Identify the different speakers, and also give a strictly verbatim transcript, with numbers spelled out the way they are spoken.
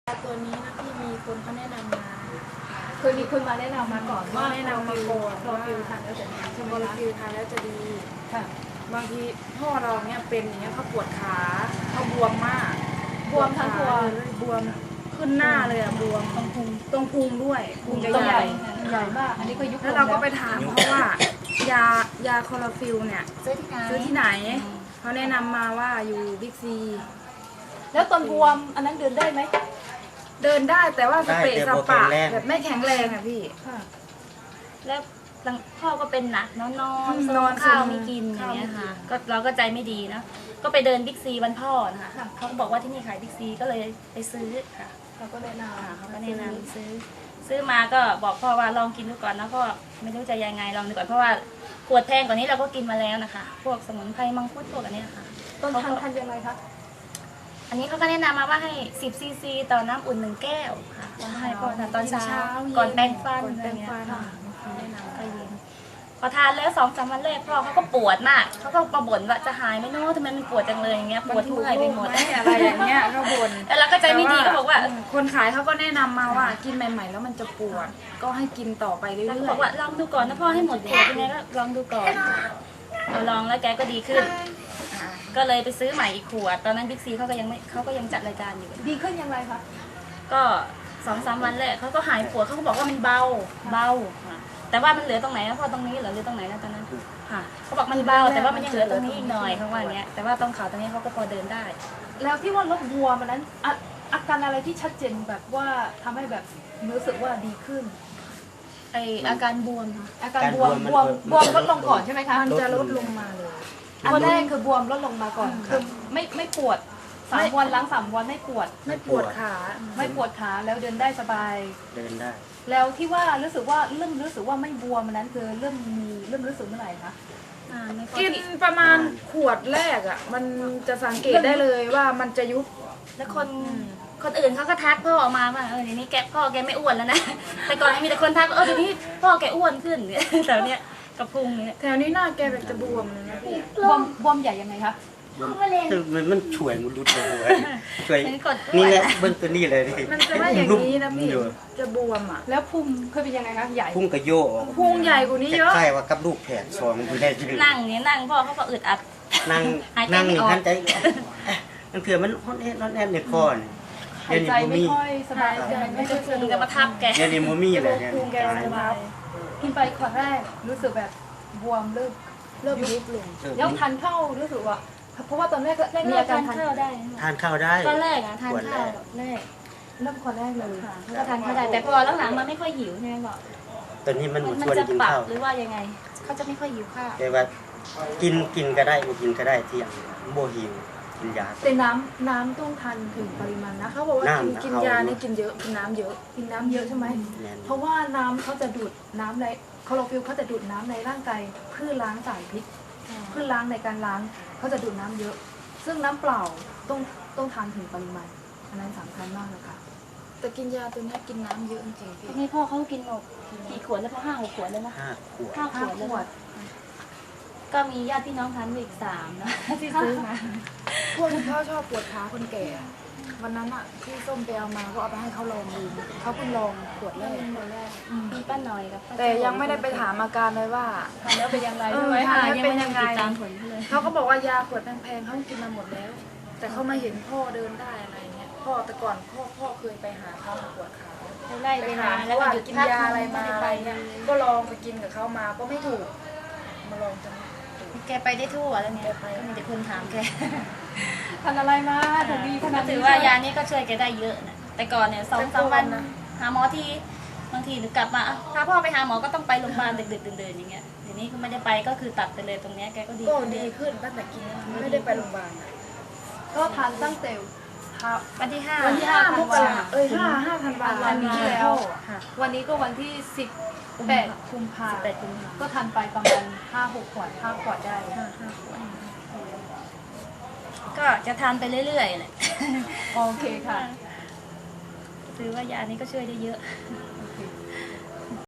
Speaker 1: ตัวนี้นะพี่มีคนเขาแนะนำมา
Speaker 2: เคยมีคนมาแนะนำมาก่อนว่า
Speaker 1: แนะนำมาก่อน
Speaker 2: คลอฟิลทานแล้วจะดีใช่ไหม
Speaker 1: คอลลา
Speaker 2: คะ
Speaker 1: ฟิลทานแล้วจะดี
Speaker 2: ค่ะ
Speaker 1: บางทีพ่อเราเนี่ยเป็นอย่างเงี้ยเขาปวดขาเขาบวมมาก
Speaker 2: บวมทั้งตัว
Speaker 1: เลยบวมขึ้นหน้าเลยอะบวม
Speaker 2: ตรงพุง
Speaker 1: ตรงพุงด้วยพุงจะ
Speaker 2: ตัว
Speaker 1: ให
Speaker 2: ให
Speaker 1: ญ่
Speaker 2: ญ่ใหญ่มากอันนี้ก็ยุบ
Speaker 1: แล้วเราก็ไปถามเขาว่ายายาคอลลาฟิลเนี่ย
Speaker 2: ซื้อที่ไหน
Speaker 1: ซื้อที่ไหนเขาแนะนำมาว่าอยู่บิ๊กซี
Speaker 2: แล้วตอนบวมอันนั้นเดินได้ไหม
Speaker 1: เดินได้แต่ว่าสเปะ
Speaker 3: ได้
Speaker 1: ส
Speaker 3: แต่บ่
Speaker 1: ปะ
Speaker 3: แข็งแรง
Speaker 1: แบบไม่แข็งแรงอะพี่
Speaker 2: ค่ะ
Speaker 4: แล้วพ่อก็เป็นหนักนอนนอน
Speaker 1: นอน
Speaker 4: ข้าว
Speaker 1: ซึม
Speaker 4: ไม่กินอย่างเงี้ย
Speaker 1: ข้าวไม่กิ
Speaker 4: ค่ะ
Speaker 1: น
Speaker 4: ก็เราก็ใจไม่ดีนะก็ไปเดินบิ๊กซีวันพ่อนะคะเขาก็บอกว่าที่นี่ขายบิ๊กซีก็เลยไปซื้อค่ะ
Speaker 2: เราก็แนะน
Speaker 4: ค่ะเขา
Speaker 2: ำ
Speaker 4: ก็แนะนำซื้อ ซื้อมาก็บอกพ่อว่าลองกินดูก่อนแล้วก็ไม่รู้จะยังไงลองดูก่อนเพราะว่าขวดแพงกว่านี้เราก็กินมาแล้วนะคะ พวกสมุนไพรมังคุดพวกอันเนี้ยค่ะ
Speaker 2: ตอนทานทานยังไงคะ
Speaker 4: อันนี้เขาก็แนะนำมาว่าให้สิบซีซีต่อน้ำอุ่นหนึ่งแก้วค่ะให้พ่อทานตอนเช้าก่อนแปรงฟัน
Speaker 1: ก่อน
Speaker 4: อะ
Speaker 1: แป
Speaker 4: ไร
Speaker 1: รง
Speaker 4: เงี้ย
Speaker 1: ฟัน
Speaker 4: ค่ะ แนะนำก็ยินพอทานแล้วสองสามวันแรกพ่อเขาก็ปวดมากเขาก็มาบ่นว่าจะหายไหมเนาะทำไมมันปวดจังเลยอย่างเงี้ยปวดเมื่อยไปหมด
Speaker 1: นถูกโรคไหอะไรอย่างเงี้ยเขาบ่น
Speaker 4: แล้วเราก็ใจไม่ดีก็บอกว่า
Speaker 1: แต่คนขายเขาก็แนะนำมาว่ากินใหม่ ๆ แล้วมันจะปวด ก็ให้กินต่อไปเรื่
Speaker 4: เราก็
Speaker 1: อย
Speaker 4: บอกว่าลองดูก่อนนะพ่อให้หมดขวดยังไงก็ลองดูก่อนเราลองแล้วแกก็ดีขึ้นอ่าก็เลยไปซื้อใหม่อีกขวด ตอนนั้นบิ๊กซีเขาก็ยังไม่เขาก็ยังจัดรายการอยู่
Speaker 2: ดีขึ้นยังไงคะ
Speaker 4: ก็สองสามวันแรกเขาก็หายปวดเขาก็บอกว่ามันเบาเบาค่ะแต่ว่ามันเหลือตรงไหนนะพ่อตรงนี้เหรอหรือตรงไหนนะตอนนั้นค่ะเขาบอกมันเบาแต่ว่ามันยังเหลือตรงนี้อีกหน่อยเขาว่าอย่างเงี้ยแต่ว่าตรงขาตรงนี้เขาก็พอเดินได้
Speaker 2: แล้วที่ว่าลดบวมอันนั้นอะอาการอะไรที่ชัดเจนแบบว่าทำให้แบบรู้สึกว่าดีขึ้น
Speaker 4: ไออาการบวมค่ะ
Speaker 2: อาการบวมบวมบวมลดลงก่อนใช่ไหมคะ
Speaker 1: ๆมันจะลดลงมาเลย
Speaker 2: วันแรกคือบวมลดลงมาก่อนคือไม่ไม่ปวดสามวันหล้างสามวันไม่ปวด
Speaker 1: ไม่ปวดขา
Speaker 2: ไม่ปวดขาแล้วเดินได้สบาย
Speaker 3: เดินได้
Speaker 2: แล้วที่ว่ารู้สึกว่าเริ่มรู้สึกว่าไม่บวมอันนั้นคือเริ่มมีเริ่มรู้สึกเมื่อไหร่คะ
Speaker 4: อ่าไม่ค่อย
Speaker 1: กินประมาณขวดแรกอ่ะ มันจะสังเกตได้เลยว่ามันจะยุบ
Speaker 4: แล้วคนคนอื่นเขาก็ทักพ่อออกมาว่าเออเดี๋ยวนี้แกพ่อแกไม่อ้วนแล้วนะ แต่ก่อนมีแต่คนทักว่าเออเดี๋ยวนี้พ่อแกอ้วนขึ้นเนี่ยแต่เนี้ยกระพุ้งเนี่ย
Speaker 1: แถวนี้หน้าแกแบบจะบวมเลยนะพี่
Speaker 2: บวมบวมใหญ่ยังไงคะ
Speaker 3: คือมันมันช่วยมันรุดเลยเว้ยช่วย
Speaker 4: เป็นกดอ้
Speaker 3: นี่
Speaker 4: วน
Speaker 3: แหละเบิ้งตัวนี้เลยดิ
Speaker 1: มันจะไม่อย่างนี้นะพี่
Speaker 3: อยู่
Speaker 1: จะบวมอ่ะ
Speaker 2: แล้วพุงเคยเป็นยังไงคะใหญ่
Speaker 3: พุ่งกระโยก
Speaker 1: พุงใหญ่กว่านี้เยอะ
Speaker 3: คล้ายๆว่ากับลูกแผดสองอยู่ในชีวิต
Speaker 4: นั่งเนี่ยนั่งพ่อเขาก็อึดอัด
Speaker 3: นั่ง
Speaker 4: หายใจ
Speaker 3: นั่ง
Speaker 4: ไม่
Speaker 3: นี่
Speaker 4: ออก
Speaker 3: ทันใจนั่นคือมันฮอนแอนฮอนแอนในคอนี่
Speaker 2: หายใจ
Speaker 3: เดี๋ยว
Speaker 2: ไม่
Speaker 3: นี้บ่
Speaker 2: ค่อยสบายใจไม่
Speaker 4: จะ
Speaker 2: ค่อย
Speaker 4: พุ
Speaker 2: สะ
Speaker 4: ง
Speaker 2: ดว
Speaker 4: จะ
Speaker 2: ก
Speaker 4: มาทับแก
Speaker 3: เดี๋ยวนี้บ่มีเลยเนี่ย
Speaker 1: พุงแกจะมา
Speaker 2: กินไปขวดแรกรู้สึกแบบบวมเริ่ม
Speaker 1: เริ่มยุบลง
Speaker 3: เออ
Speaker 2: แล้วทานข้าวรู้สึกว่า เพราะว่าตอนแรกก็
Speaker 4: แรก
Speaker 2: มี
Speaker 4: ๆ
Speaker 2: อาการ
Speaker 4: ทาน
Speaker 2: ทาน
Speaker 4: ข้าวได้
Speaker 3: ทานข้าวได้
Speaker 4: ตอนแรกอะทาน
Speaker 3: ขวดแร
Speaker 4: ข้าว
Speaker 3: ก
Speaker 4: แรก
Speaker 2: เริ่มขวดแรกเลย
Speaker 4: ค่ะเขาก็ทานข้าวได้แต่พอหลังๆมันไม่ค่อยหิวใช่ไหมบอก
Speaker 3: ตอนนี้มัน
Speaker 4: มัน
Speaker 3: ชวน
Speaker 4: จะ
Speaker 3: กิน
Speaker 4: ปรับ
Speaker 3: ข้าว
Speaker 4: หรือว่ายังไงเขาจะไม่ค่อยหิวข้าว
Speaker 3: แต่ว่ากินกินก็ได้บ่กินก็ได้เที่ยงบ่หิวกินยา
Speaker 2: แต่น้ำน้ำต้องทานถึงปริมาณนะ
Speaker 1: เขาบอกว่ากิน
Speaker 3: น้ำ
Speaker 1: กิน
Speaker 3: เอา
Speaker 1: ยานี่กินเยอะกินน้ำเยอะ
Speaker 2: กินน้ำเยอะใช่ไหม
Speaker 3: แม่น
Speaker 2: เพราะว่าน้ำเขาจะดูดน้ำในคลอโรฟิลเขาจะดูดน้ำในร่างกายเพื่อล้างสารพิษเพื่อล้างในการล้างเขาจะดูดน้ำเยอะ ซึ่งน้ำเปล่าต้องต้องทานถึงปริมาณอันนั้นสำคัญมากเลยค่ะ
Speaker 1: แต่กินยาตัวเนี้ยกินน้ำเยอะจริงๆพี่
Speaker 4: นี่พ่อเขากินหมดกี่ขวดแล้วพ่อห้าหกขวดแล้วนะ
Speaker 3: ห้าขวด
Speaker 4: ห้าข
Speaker 2: ห้าว
Speaker 4: ด
Speaker 2: ข
Speaker 4: แล้ว
Speaker 2: วด
Speaker 4: นะก็มีญาติพี่น้องทานอยู่อีกสามนะที่ซื้อมา
Speaker 1: พวกที่เขาชอบปวดขาคนแก่อะวันนั้นอ่ะที่ส้มไปเอามาก็เอาไปให้เขาลองดูเขาเพิ่งลองขวดแรก
Speaker 4: มีป้าหน่อยกับป้า
Speaker 1: แต่ยังไม่ได้ไปถามอาการเลยว่า
Speaker 2: ทานแล้วเป็นยังไง
Speaker 1: เอ
Speaker 2: ใช่
Speaker 1: อ
Speaker 2: ไหม
Speaker 1: ทาน
Speaker 4: ยังไม่ได้ติดตามผลเขาเลย
Speaker 1: เขาก็บอกว่ายาขวดแพงๆเขากินมาหมดแล้ว แต่เขามาเห็นพ่อเดินได้อะไรเงี้ยพ่อแต่ก่อนพ่อพ่อเคยไปหาเขามาปวดขา
Speaker 4: ไล่
Speaker 1: ไป
Speaker 4: ไป
Speaker 1: หา
Speaker 4: มา
Speaker 1: แล้
Speaker 4: แล้ว ว
Speaker 1: ว่า
Speaker 4: ก็หยุด
Speaker 1: กิน
Speaker 4: พัก
Speaker 1: ยาอะไรมา
Speaker 4: ม่ด้
Speaker 1: อะไร
Speaker 4: ไป
Speaker 1: เงี้ยก็ลองไปกินกับเขามาก็ไม่ถูก มาลองจนถูก
Speaker 4: แกไปได้ทั่วแล้วเนี่ยก็มีแต่คนถามแก
Speaker 2: ทานอะไรมาถึงดีขนา
Speaker 4: ก็
Speaker 2: ดนี้
Speaker 4: ถือว่ายานี้ก็ช่วยแกได้เยอะนะแต่ก่อนเนี่ยสองสามวันหาหมอทีบางทีหรือกลับมาพาพ่อไปหาหมอก็ต้องไปโรงพยาบาลดึกๆเดินๆอย่างเงี้ยเดี๋ยวนี้ก็ไม่ได้ไปก็คือตัดไปเลยตรงเนี้ยแกก็ดี
Speaker 1: ก็ดีขึ้นตั้งแต่กินไม่ได้ไปโรงพยาบาลอะ
Speaker 2: ก็ทานตั้งแต่ทา
Speaker 4: วันที่ห้า
Speaker 1: วันที่ห้ามกราเอ้ยห้าห้าธันวาค
Speaker 2: วัน
Speaker 1: ม
Speaker 2: ที่แล้ว
Speaker 4: ค่ะ
Speaker 2: วันนี้ก็วันที่สิบแปดกุมภา
Speaker 4: สิบแปดกุมภา
Speaker 2: ก็ทานไปประมาณห้าหกขวดห้าขวดได้
Speaker 4: ห้าห้าขวดก็จะทานไปเรื่อยๆแหละ
Speaker 2: โอเคค่ะ
Speaker 4: ถือว่ายานี้ก็ช่วยได้เยอะ
Speaker 2: ค